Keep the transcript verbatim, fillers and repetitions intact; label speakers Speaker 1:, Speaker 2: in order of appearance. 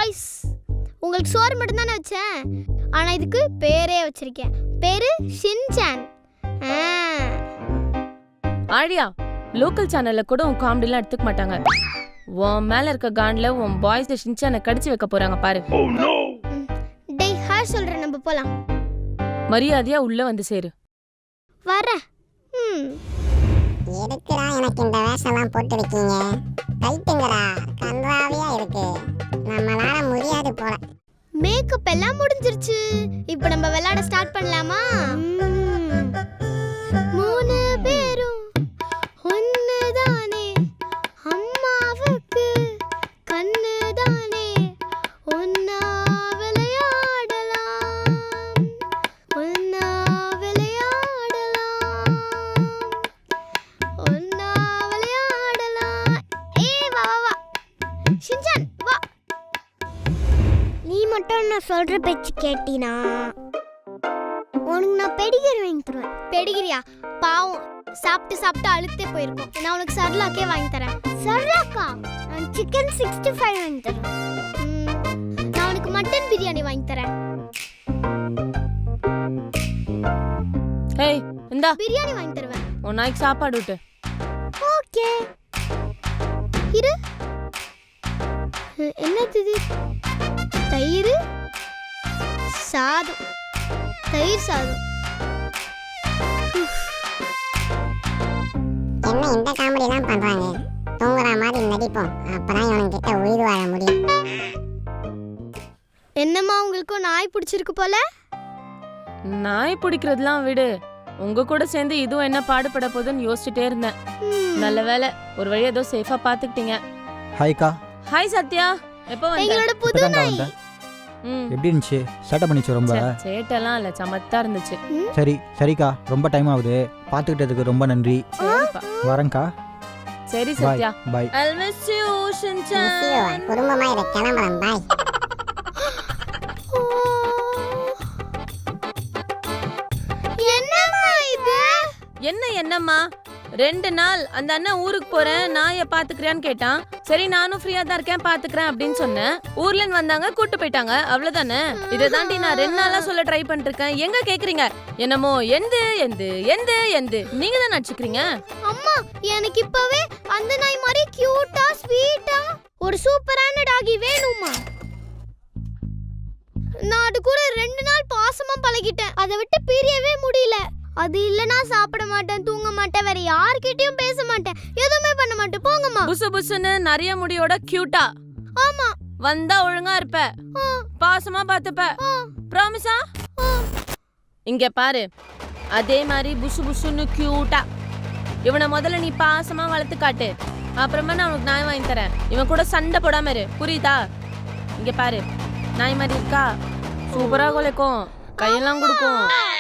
Speaker 1: Boys, உங்களுக்கு சோறு மட்டும் தானே வச்சேன், ஆனா இதுக்கு பேரே வச்சிருக்கேன். பேரு ஷின்சான்.
Speaker 2: ஆழியா, லோக்கல் சேனல்ல கூட உன் காமெடிலாம் எடுத்துக்க மாட்டாங்க. உன் மேல இருக்க கான்ல உன் பாய்ஸ் ஷின்சானை கடிச்சு வைக்க போறாங்க பாரு.
Speaker 1: டேய் ஹாய் சொல்றேன், நம்ம போலாம்.
Speaker 2: மரியாதையா உள்ள வந்து சேரு.
Speaker 1: வர. ம்
Speaker 3: எதுக்குடா எனக்கு இந்த வேஷம்லாம் போட்டு இருக்கீங்க? கைட்டுங்கடா, கன்றாவியா இருக்கு. நம்மளால முடியாது போல.
Speaker 1: மேக்கப் எல்லாம் முடிஞ்சிருச்சு. இப்போ நம்ம விளையாட ஸ்டார்ட் பண்ணலாமா? மூணு பேரும் ஒண்ணுதானே, அம்மாவுக்கு கண்ணுதானே, ஒன்னா விளையாடலாம், ஒன்னா விளையாடலாம், ஒன்னா விளையாடலாம். ஏய் வா வா வா ஷின்சான் வா. நீ மட்டும் நான் சொல்ற பேச்சு கேட்டினா உனக்கு நான் பெடிகிரி வாங்கி தருவேன். பெடிகிரியா? பாவம், சாப்பிட்டு சாப்பிட்டு அழுத்தே போயிருக்கோம். நான் உனக்கு சர்லாக்கே வாங்கி தரேன். சர்லாக்கா? நான் சிக்கன் சிக்ஸ்டி ஃபைவ் வாங்கி தரேன். நான் உனக்கு மட்டன் பிரியாணி வாங்கி தரேன்.
Speaker 2: ஏய் இந்தா
Speaker 1: பிரியாணி வாங்கி தருவேன்.
Speaker 2: உன் நாய்க்கு சாப்பாடு விட்டு.
Speaker 1: ஓகே இரு. என்னது இது? தயிர் சாதம். தயிர் சாதம்.
Speaker 3: என்ன இந்த காமெடி எல்லாம் பண்றாங்க? தூங்குற மாதிரி நடிப்போம், அப்பதான் இவனுக்கு கிட்ட உயிர் வாழ முடியும்.
Speaker 1: என்னம்மா உங்களுக்கும் நாய் பிடிச்சிருக்கு போல?
Speaker 2: நாய் பிடிக்கிறதுலாம் விடு, உங்க கூட சேர்ந்து இதுவும் என்ன பாடுபட போகுதுன்னு யோசிச்சுட்டே இருந்தேன். நல்ல வேலை, ஒரு வழி ஏதோ சேஃபா பாத்துக்கிட்டீங்க.
Speaker 4: ஹாய்க்கா.
Speaker 2: ஹாய் சத்யா, எப்போ வந்த?
Speaker 1: எங்களோட புது நாய்.
Speaker 2: ம்
Speaker 4: எப்படி இருந்துச்சு? சேட்டை பண்ணிச்சு ரொம்ப?
Speaker 2: சேட்டெல்லாம் இல்ல, சமத்தா இருந்துச்சு.
Speaker 4: சரி சரிக்கா, ரொம்ப டைம் ஆகுது, பாத்துக்கிட்டதுக்கு ரொம்ப நன்றி.
Speaker 2: சரிப்பா.
Speaker 4: வரேன்க்கா.
Speaker 2: சரி
Speaker 4: பாய்
Speaker 2: சத்யா.
Speaker 4: பாய்.
Speaker 2: I miss you, Shinchan.
Speaker 3: குடும்பமா இதை கிளம்புறேன். பாய்.
Speaker 1: என்னம்மா இது?
Speaker 2: என்ன என்னம்மா, ரெண்டு நாள் அந்த அண்ணன் ஊருக்கு போறேன் நாயை பாத்துக்கிறேன்னு கேட்டான். சரி நானும் ஃப்ரீயா தான் இருக்கேன் பாத்துக்கிறேன் அப்படின்னு சொன்னேன். ஊர்ல இருந்து வந்தாங்க, கூட்டு போயிட்டாங்க, அவ்வளவுதானே. இதை தாண்டி நான் ரெண்டு நாளா சொல்ல ட்ரை பண்ணிட்டு இருக்கேன். எங்க கேக்குறீங்க? என்னமோ எந்து எந்து எந்து எந்து நீங்க தான் நடிச்சுக்கிறீங்க.
Speaker 1: அம்மா, எனக்கு இப்பவே அந்த நாய் மாதிரி கியூட்டா ஸ்வீட்டா ஒரு சூப்பரான டாகி வேணும்மா. நான் அது கூட ரெண்டு நாள் பாசமா பழகிட்டேன், அதை விட்டு பிரியவே முடியல. அது இல்லனா சாப்பிட மாட்டேன், தூங்க மாட்டேன், வேற யார்கிட்டயும் பேச மாட்டேன், எதுவுமே பண்ண மாட்டேன். போங்கம்மா.
Speaker 2: புசு புசுன்னு நிறைய முடியோட கியூட்டா.
Speaker 1: ஆமா.
Speaker 2: வந்தா ஒழுங்கா இருப்ப, பாசமா பாத்துப்ப. ப்ராமிஸா? இங்க பாரு, அதே மாதிரி புசு புசுன்னு கியூட்டா இவனை முதல்ல நீ பாசமா வளர்த்து காட்டு, அப்புறமா நான் உனக்கு நாய் வாங்கி தரேன். இவன் கூட சண்டை போடாம இரு, புரியுதா? இங்க பாரு, நாய் மாதிரி இருக்கா, சூப்பரா குலைக்கும், கையெல்லாம் கொடுக்கும்.